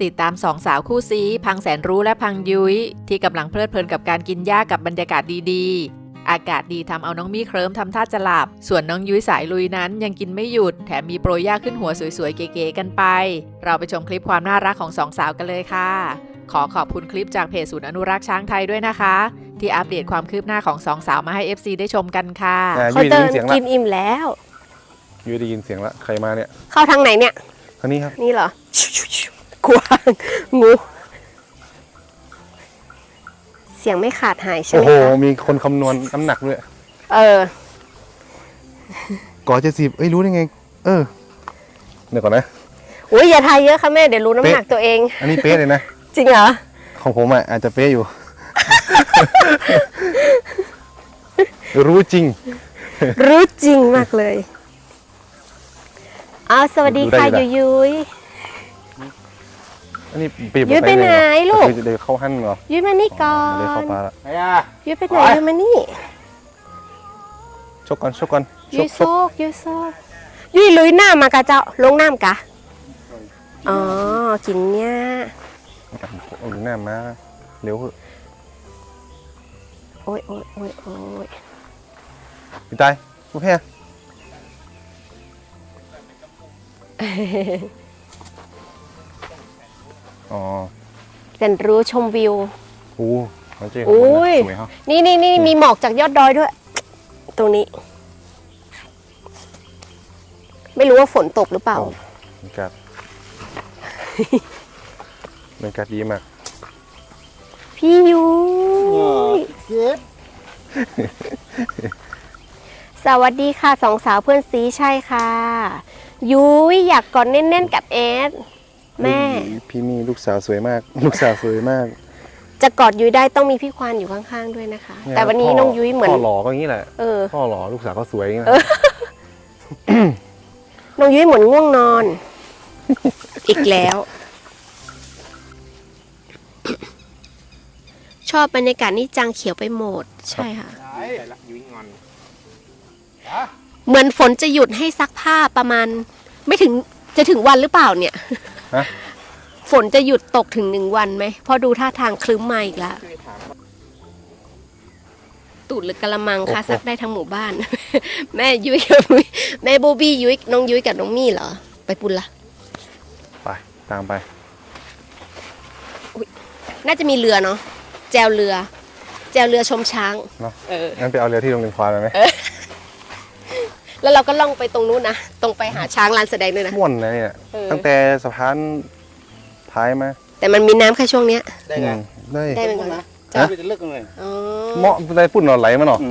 ติดตามสองสาวคู่ซีพังแสนรู้และพังยุ้ยที่กำลังเพลิดเพลินกับการกินหญ้ากับบรรยากาศดีๆอากาศดีทำเอาน้องมี่เคลิ้มทำท่าจะหลับส่วนน้องยุ้ยสายลุยนั้นยังกินไม่หยุดแถมมีโปรยหญ้าขึ้นหัวสวยๆเก๋ๆกันไปเราไปชมคลิปความน่ารักของสองสาวกันเลยค่ะขอขอบคุณคลิปจากเพจศูนย์อนุรักษ์ช้างไทยด้วยนะคะที่อัปเดตความคืบหน้าของสองสาวมาให้ FC ได้ชมกันค่ะเขาเดินกินอิ่มแล้วยูได้ยินเสียงละใครมาเนี่ยเข้าทางไหนเนี่ยทางนี้ครับนี่เหรอกวางงูเสียงไม่ขาดหายใช่ไหมคะโอ้โหมีคนคำนวณน้ำหนักด้วยก่อ70รู้ได้ไงเดี๋ยวก่อนนะอุ้ยอย่าทายเยอะค่ะแม่เดี๋ยวรู้น้ำหนักตัวเองอันนี้เป๊ะเลยนะจริงเหรอของผมอาจจะเป๊ะอยู่ รู้จริงรู้จริงมากเลยสวัสดีค่ะยุ้ยอันนี้ยุ้ยไปไหนลูกเดี๋ยวเข้าหั่นเหรอยุ้ยมานี่ก่อนเดี๋ยวเข้าปลาละยุ้ยไปไหนยุ้ยมานี่ชกก่อนยุ้ยโซกยุ้ยลุยน้ำมากะเจ้าลงน้ำกะกินเนี่ยเอาหน้ามาเร็วโอ้ยพี่ตายผู้แพ้แสนรู้ชมวิวโอ้ยนี่มีหมอกจากยอดดอยด้วยตรงนี้ไม่รู้ว่าฝนตกหรือเปล่าบรรยากาศดีมากพี่ยุ้ยสวัสดีค่ะสองสาวเพื่อนซีใช่ค่ะยุ้ยอยากกอดแน่นๆกับเอสแม่พี่มีลูกสาวสวยมากจะกอดยุ้ยได้ต้องมีพี่ควานอยู่ข้างๆด้วยนะคะแต่วันนี้น้องยุ้ยเหมือนพ่อหล่อก็อย่างนี้แหละพ่อหล่อลูกสาวก็สวยอย่างนี้แหละน้องยุ้ยเหมือนง่วงนอนอีกแล้วชอบบรรยากาศนี่จังเขียวไปหมดใช่ค่ะเหมือนฝนจะหยุดให้ซักผ้าประมาณไม่ถึงจะถึงวันหรือเปล่าเนี่ยฝนจะหยุดตกถึง1 วันไหมพอดูท่าทางคลึ้มมาอีกแล้วตูดหรือกะละมังคะซักได้ทั้งหมู่บ้าน แม่ยุ้ยกับแม่โบบี้ยุ้ยน้องยุ้ยกับน้องมี่เหรอไปปุ่นละไปตามไปน่าจะมีเรือเนาะแจวเรือชมช้างเนาะงั้นไปเอาเรือที่โรงเรียนควายไหมแล้วเราก็ล่องไปตรงนู้นนะตรงไปหาช้างลานแสดงด้วยนะม่วนนะเนี่ยตั้งแต่สะพานท้ายมาแต่มันมีน้ำแค่ช่วงเนี้ยได้เหมือนกันนะจะเลิกเลยเหมาะได้ปุ่นหน่อไหลมาหน่อ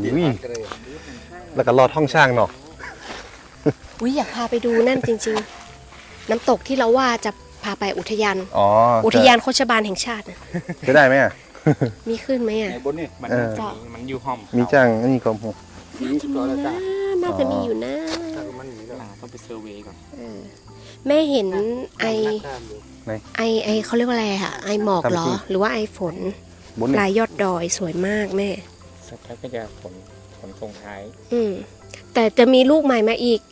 แล้วก็รอดห้องช่างหน่ออยากพาไปดูนั่นจริงๆน้ำตกที่เราว่าจะพาไปอุทยานอุทยานโคชบาลแห่งชาติจะได้ไหมมีขึ้นไหมบนนี่มันอยู่ห้องมีจ้างอันนี้ก็พอน่าจะมีอยู่นะต้องไปเซอร์เวย์ก่อนแม่เห็นไอเขาเรียกว่าอะไรค่ะไอหมอกเหรอหรือว่าไอฝนปลายยอดดอยสวยมากแม่สักพักก็จะฝนส่งท้ายแต่จะมีลูกใหม่มาอีก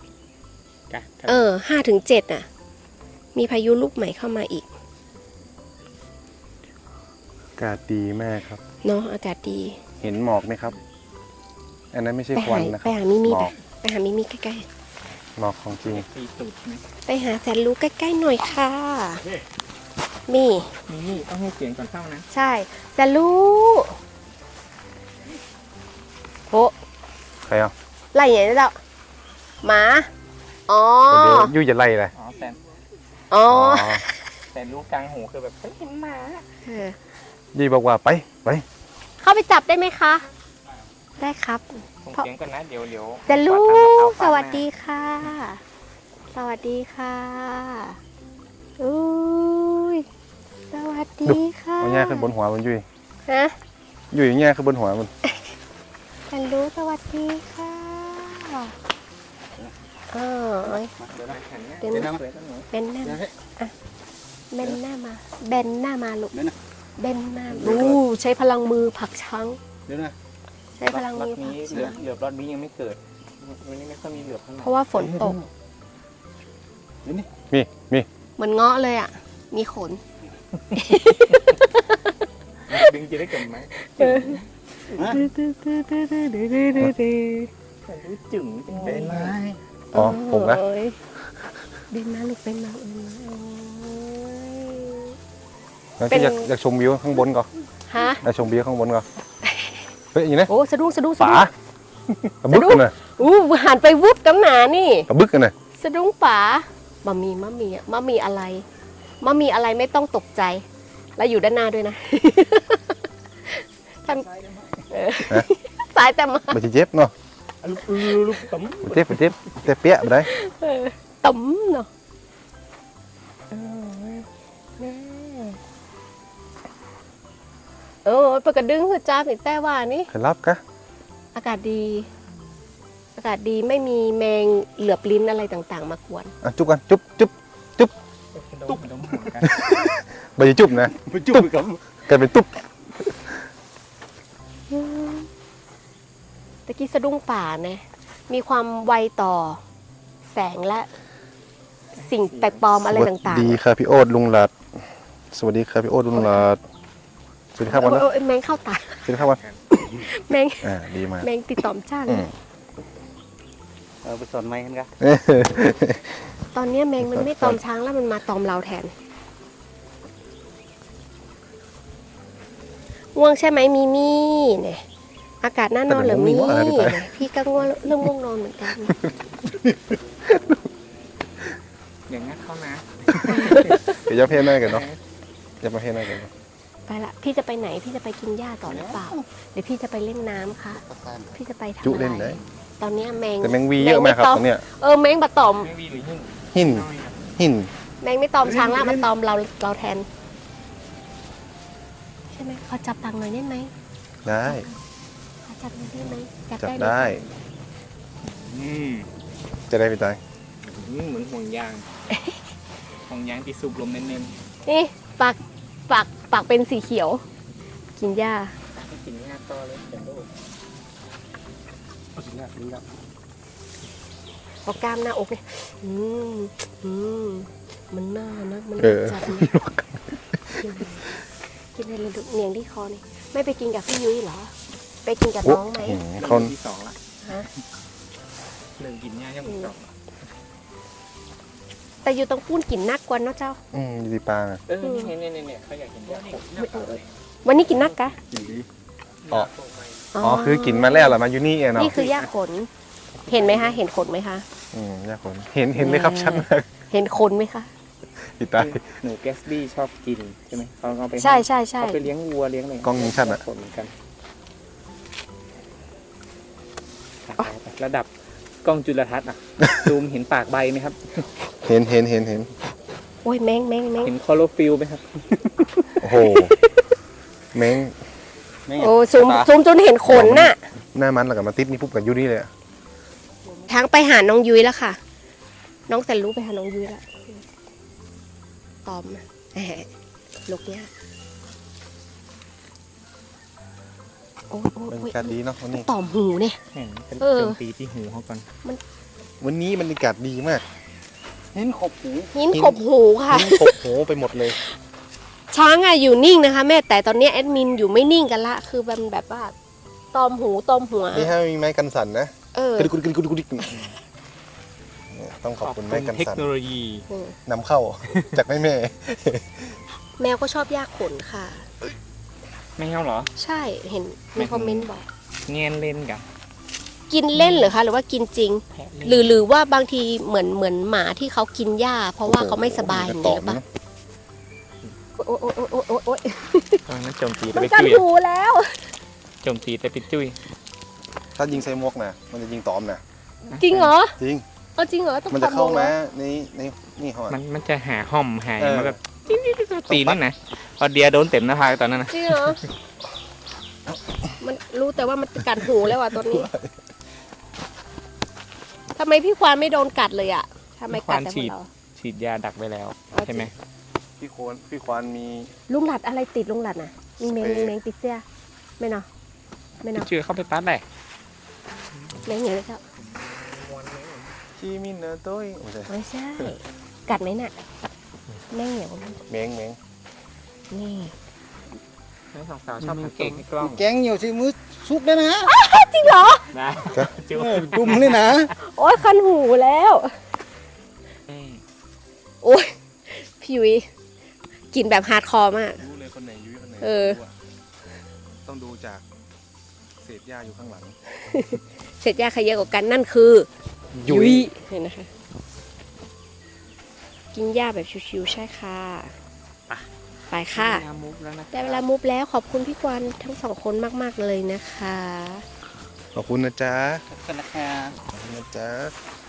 5-7มีพายุลูกใหม่เข้ามาอีกอากาศดีมากครับเนาะอากาศดีเห็นหมอกไหมครับอันนั้นไม่ใช่ควันนะครับไปหามิมี่ใกล้ๆหมอกของจริงไปหาแสนรู้ใกล้ๆหน่อยค่ะมี่ต้องให้เสียงก่อนเข้านะใช่แสนรู้โหใครไล่อย่างนี้แล้วหมายู่จะไล่เลยแต่รู้กลางหูคือแบบเห็นหมายี่บอกว่าไปเข้าไปจับได้ไหมคะได้ครับเสียงก่อนนะเดี๋ยวแต่ลูกสวัสดีค่ะสวัสดีค่ะอุ้ยสวัสดีค่ะเอาแง่ขึ้นบนหัวมันยุ้ยอยู่อย่างเงี้ยขึ้นบนหัวมันแต่ลูกสวัสดีค่ะเป็นหน้ามาลูกเบนหน้าใช้พลังมือผลักช้างใช้พลังมือผลักช้างเหลือบรอดนี้ยังไม่เกิดวันนี้ไม่ค่อยมีเหลือบเพราะว่าฝนตกมีเหมือนเงาะเลยอ่ะมีขนดึงจะได้กับไหมรู้จึงจังเลยอ๋อผมนะโอ้ยเดินมาลูกเป็นมางั้นพี่อยากชมวิวข้างบนก่อนฮะอยากชมวิวข้างบนก่อนเฮ้ยอย่างนี้นะโอ้สะดุ้งป๋าตะบึกกันนะอู้หันไปวุบกำหนานี่ตะบึกกันนะสะดุ้งป๋ามะมีอะไรไม่ต้องตกใจ แล้วอยู่ด้านหน้าด้วยนะท่านสายแต่มาไปเจ็บเนาะลูกต๋มไปเจ็บแต่เปี้ยไปได้ตุ๋มเนาะแม่ปกระดึงหัวจ้าผิดแต่ว่านี่ใครรับกะอากาศดีไม่มีแมงเหลือบลิ้นอะไรต่างๆ มากวนอ่ะจุ๊บกันจุ๊บตุ๊บดมหัวกันไปจุ๊บนะไปจุ๊บกับกลายเป็นตุ๊บตะกี้สะดุ้งป่านะมีความไวต่อแสงและสิ่งแปลกปลอมอะไรต่างสวัสดีครับพี่โอ๊ตลุงหลัดสวัสดีครับพี่โอ๊ตลุงหลัดสวัสดีครับวันนะโอ้ยแมงเข้าตาสวัสดีครับวันแมงดีมากแมงติดต่อมจ้างไปสอนไม้กันกะตอนนี้แมงมันไม่ตอมช้างแล้วมันมาตอมเราแทนง่วงใช่ไหมมีมี่เนี่ยอากาศน่านอนเหรือมี่เนี่ยพี่ก็ง่วงเริ่มง่วงนอนเหมือนกันอย่างงั้นเข้านะเดี๋ยวจะเพลงหน้ากันเนาะจะมาเพลงหน้ากันไปละพี่จะไปไหนพี่จะไปกินหญ้าต่อหรือเปล่าเดี๋ยวพี่จะไปเล่นน้ำค่ะพี่จะไปทำจุอะไรเล่นได้ตอนนี้แมงแต่แมงวีเยอะมากครับตรงเนี้ยแมงบะตอมไม่มีหรือหิ้งหินแมงไม่ตอมช้างละมาตอมเราแทนใช่ไหมขอจับปากหน่อยได้ไหมได้ขอจับหน่อยได้ไหมจับเลยได้ จะได้ไปตายเหมือนห่วงยางห่วงยางที่สูบลมเน้นนี่ปากเป็นสีเขียว กินหญ้าๆกินง่ายต่อเลยเป็นโรคพอกล้ามหน้าอกเนี่ยมันน่านะมันจัดนะกินอะไรเลยเนียงที่คอนี่ไม่ไปกินกับพี่ยุ้ยเหรอ ไปกินกับน้องไหมเขาที่สองละฮะเรื่องกินง่ายยังไม่จบแต่อยู่ตรงปุ้นกินนักกว่าเนาะเจ้าอยู่ที่ปลาเนี่ยเขาอยากกินยาขมวันนี้กินนักกะอ๋อคือกินมาแล้วเหรอมาอยู่นี่เองเนาะนี่คือหญ้าขน เห็นไหมคะ เห็นขนไหมคะยากคนเห็นไหมครับชัดมากเห็นขนไหมคะติดตายหนูแกสบี้ชอบกินใช่ไหมเขาเอาไปใช่เขาไปเลี้ยงวัวเลี้ยงอะไรกล้องยิงชัดอ่ะผลกันระดับกล้องจุลทรรศน์อ่ะ ซูมเห็นปากใบไหมครับเห็นโอ้ยแมงเห็นคลอโรฟิลไหมครับโอ้โหแมงโอ้ซูมจนเห็นขนน่ะหน้ามันแล้วกับมาติดนี่ปุ๊บกับยูนี่เลยทางไปหาน้องยุ้ยแล้วค่ะ น้องแสนรู้ไปหาน้องยุ้ยแล้วตอมลูกเนี้ยโอ้ยบรรยากาศดีเนาะวันนี้ตอมหูเนี่ยเห็นเป็นเออโจมตีที่หูเขาก่อนวันนี้บรรยากาศดีมากหินขบหูหินขบหูค่ะหินขบโหไปหมดเลยช้างอะอยู่นิ่งนะคะ แม่แต่ตอนนี้แอดมินอยู่ไม่นิ่งกันละคือมันแบบว่าตอมหูตอมหัวนี่ฮะมีไม้กันสั่นนะ กระดิกต้องขอบคุณไม้กันเทคสั่นโนโลยีนำเข้าจากแม่แมวก็ชอบยากขนค่ะไม่เอาเหรอใช่เห็นในคอมเมนต์บอกเงียนเล่นกับกินเล่นเหรือคะหรือว่ากินจริงแพะเล่นหรือว่าบางทีเหมือนหมาที่เขากินหญ้า เพราะว่าเขาไม่สบายอย่างนี้หรือเปล่าโอ๊ยตอนนั้นโจมตีแต่มันไปกัดจุ้ยหูแล้วโจมตีแต่ไปจุ้ยถ้ายิงใส่หมวกนะมันจะยิงตอมนะจริงเหรอจริงเอาจริงเหรอต้องมันจะเข้าทำมาเหรอในนี่เขามันจะหาห่อมหายมาแบบตีนี่นะพอเดียโดนเต็มหน้าผากตอนนั้นนะจริงเหรอมันรู้แต่ว่ามันกัดหูแล้วอ่ะตอนนี้ทำไมพี่ควานไม่โดนกัดเลยอ่ะทำไมกัดแต่พวกเราฉีดยาดักไปแล้วใช่ไหมพี่ควานมีลุงหลัดอะไรติดลุงหลัดน่ะมีแมงติดเสื้อไม่เนาะไม่เนาะเชื่อเข้าไปตัดเลยแมงอย่างนี้ครับชีมินเนอร์ต้ยไม่ใช่กัดไหมน่ะแม่งเหนียวเมงนี่ทั้งสองสาวชอบสังเกตในกล้องแกงnhiều thì mới súp đấy nè จริงเหรอนะจุ๊บ đùm lên nè โอ้ยคันหูแล้ว โอ้ยพี่ยุ้ยกินแบบฮาร์ดคอร์มากรู้เลยคนไหนยุ้ยคนไหนเออรู้ะต้องดูจากเศษหญ้าอยู่ข้างหลังเสร็จยาใครเยอะกว่ากันนั่นคือยุ้ยเห็นนะคะ กินหญ้าแบบชิวๆใช่ค่ะ ไปค่ะได้เวลามุกแล้วนะได้เวลามุฟแล้วขอบคุณพี่กวนทั้งสองคนมากๆเลยนะคะขอบคุณนะจ๊ะขอบคุณนะครับขอบคุณนะจ๊ะ